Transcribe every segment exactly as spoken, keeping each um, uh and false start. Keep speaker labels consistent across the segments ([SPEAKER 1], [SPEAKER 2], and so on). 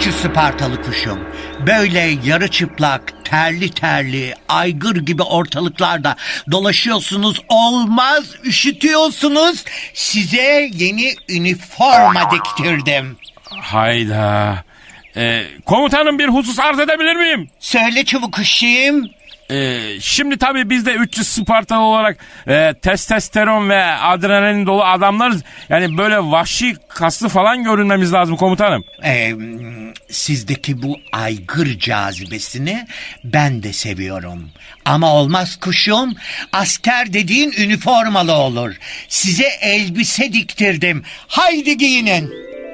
[SPEAKER 1] yüz Spartalı kuşum. Böyle yarı çıplak, terli terli, aygır gibi ortalıklarda dolaşıyorsunuz, olmaz, üşütüyorsunuz. Size yeni üniforma diktirdim.
[SPEAKER 2] Hayda. Ee, komutanım, bir husus arz edebilir miyim?
[SPEAKER 1] Söyle çabuk kuşum.
[SPEAKER 2] Ee, şimdi tabii biz de üç yüz Spartalı olarak e, testosteron ve adrenalin dolu adamlarız. Yani böyle vahşi, kaslı falan görünmemiz lazım komutanım.
[SPEAKER 1] Ee, sizdeki bu aygır cazibesini ben de seviyorum. Ama olmaz kuşum. Asker dediğin üniformalı olur. Size elbise diktirdim. Haydi giyinin.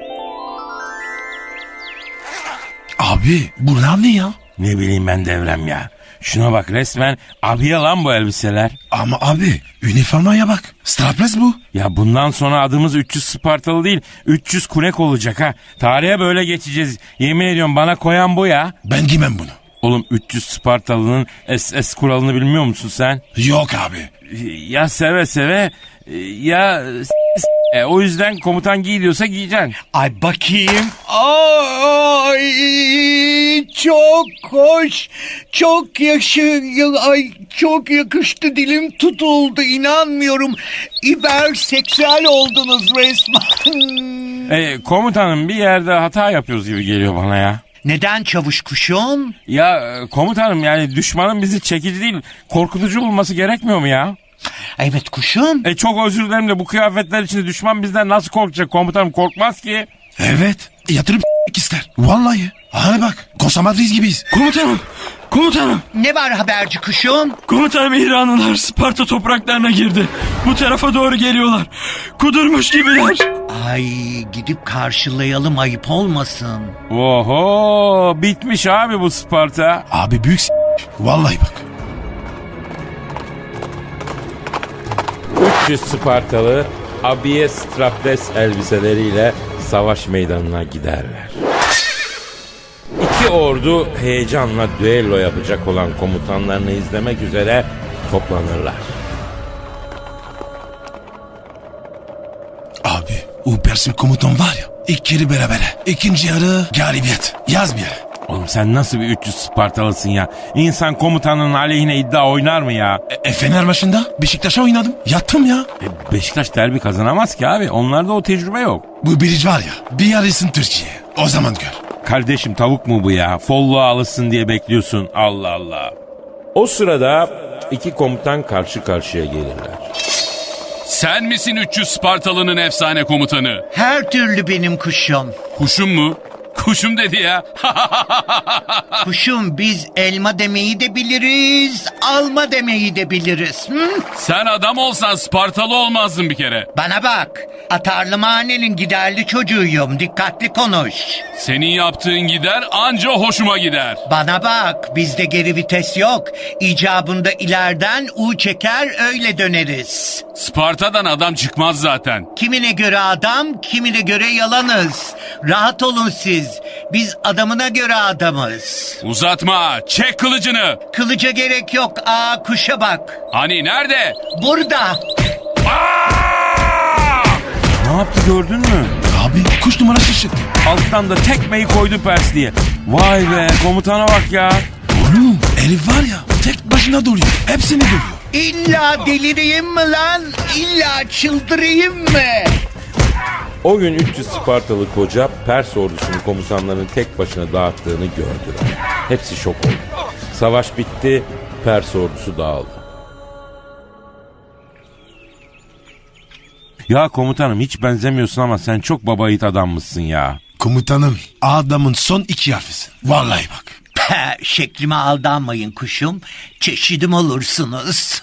[SPEAKER 3] Abi bunlar ne ya?
[SPEAKER 2] Ne bileyim ben Devrem ya. Şuna bak, resmen abiye lan bu elbiseler.
[SPEAKER 3] Ama abi üniformaya bak. Strapless bu.
[SPEAKER 2] Ya bundan sonra adımız üç yüz Spartalı değil, üç yüz Kunek olacak ha. Tarihe böyle geçeceğiz. Yemin ediyorum, bana koyan bu ya.
[SPEAKER 3] Ben giymem bunu.
[SPEAKER 2] Oğlum, üç yüz Spartalı'nın S S kuralını bilmiyor musun sen?
[SPEAKER 3] Yok abi.
[SPEAKER 2] Ya seve seve ya s- e, o yüzden komutan giy diyorsa giyeceksin.
[SPEAKER 1] Ay bakayım. Ay çok hoş. Çok yaşı ay çok yakıştı, dilim tutuldu, inanmıyorum. İberseksüel oldunuz resmen.
[SPEAKER 2] E, komutanım, bir yerde hata yapıyoruz gibi geliyor bana ya.
[SPEAKER 1] Neden çavuş kuşum?
[SPEAKER 2] Ya e, komutanım, yani düşmanın bizi çekici değil, korkutucu bulması gerekmiyor mu ya?
[SPEAKER 1] Evet kuşum.
[SPEAKER 2] E çok özür dilerim de bu kıyafetler içinde düşman bizden nasıl korkacak komutanım? Korkmaz ki.
[SPEAKER 3] Evet. Yatırıp ister. Vallahi. Hani bak. Konsomatris gibiyiz.
[SPEAKER 4] Komutanım, komutanım,
[SPEAKER 1] Ne var haberci kuşum?
[SPEAKER 4] komutanım, İranlılar Sparta topraklarına girdi. Bu tarafa doğru geliyorlar. Kudurmuş gibiler.
[SPEAKER 1] Ay gidip karşılayalım, ayıp olmasın.
[SPEAKER 2] Oho, bitmiş abi bu Sparta.
[SPEAKER 3] Abi büyük s***. Vallahi bak.
[SPEAKER 2] üç yüz Spartalı abiye strapless elbiseleriyle savaş meydanına giderler. İki ordu heyecanla düello yapacak olan komutanlarını izlemek üzere toplanırlar.
[SPEAKER 3] Abi o Persim komutan var ya. İlk yarı berabere. İkinci yarı galibiyet. Yaz bir yere.
[SPEAKER 2] Oğlum sen nasıl bir üç yüz Spartalısın ya? İnsan komutanının aleyhine iddia oynar mı ya?
[SPEAKER 3] E, e Fener maçında Beşiktaş'a oynadım. Yattım ya.
[SPEAKER 2] E, Beşiktaş derbi kazanamaz ki abi. Onlarda o tecrübe yok.
[SPEAKER 3] Bu birici var ya. Bir yarısın Türkiye. O zaman gör.
[SPEAKER 2] Kardeşim, tavuk mu bu ya? Folluğa alışsın diye bekliyorsun. Allah Allah. O sırada iki komutan karşı karşıya gelirler.
[SPEAKER 5] Sen misin üç yüz Spartalı'nın efsane komutanı?
[SPEAKER 1] Her türlü benim kuşum.
[SPEAKER 5] Kuşum mu? Kuşum dedi ya.
[SPEAKER 1] Kuşum, biz elma demeyi de biliriz, alma demeyi de biliriz. Hı?
[SPEAKER 5] Sen adam olsan Spartalı olmazdın bir kere.
[SPEAKER 1] Bana bak, atarlı mahallenin giderli çocuğuyum, dikkatli konuş.
[SPEAKER 5] Senin yaptığın gider anca hoşuma gider.
[SPEAKER 1] Bana bak, bizde geri vites yok. İcabında ileriden U çeker, öyle döneriz.
[SPEAKER 5] Sparta'dan adam çıkmaz zaten.
[SPEAKER 1] Kimine göre adam, kimine göre yalanız. Rahat olun siz. Biz adamına göre adamız.
[SPEAKER 5] Uzatma, çek kılıcını.
[SPEAKER 1] Kılıca gerek yok. Aa, kuşa bak.
[SPEAKER 5] Hani nerede?
[SPEAKER 1] Burada.
[SPEAKER 2] Ne yaptı, gördün mü?
[SPEAKER 3] Abi kuş numarası çıktı.
[SPEAKER 2] Alttan da tekmeyi koydu Pers diye. Vay be, komutana bak ya.
[SPEAKER 3] Oğlum Elif var ya tek başına duruyor. Hepsini duruyor.
[SPEAKER 1] İlla delireyim mi lan? İlla çıldırayım mı?
[SPEAKER 2] O gün üç yüz Spartalı koca Pers ordusunun komutanlarının tek başına dağıttığını gördüler. Hepsi şok oldu. Savaş bitti, Pers ordusu dağıldı. Ya komutanım, hiç benzemiyorsun ama sen çok baba yiğit adammışsın ya.
[SPEAKER 3] Komutanım adamın son iki harfisin. Vallahi bak.
[SPEAKER 1] Pe, şeklime aldanmayın kuşum. Çeşidim olursunuz.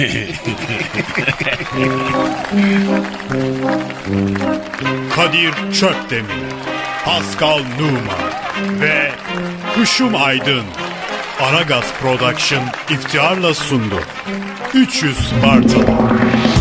[SPEAKER 6] Kadir Çöpdemir, Pascal Numa ve Kuşum Aydın Aragaz Production iftiharla sundu. üç yüz Spartalı.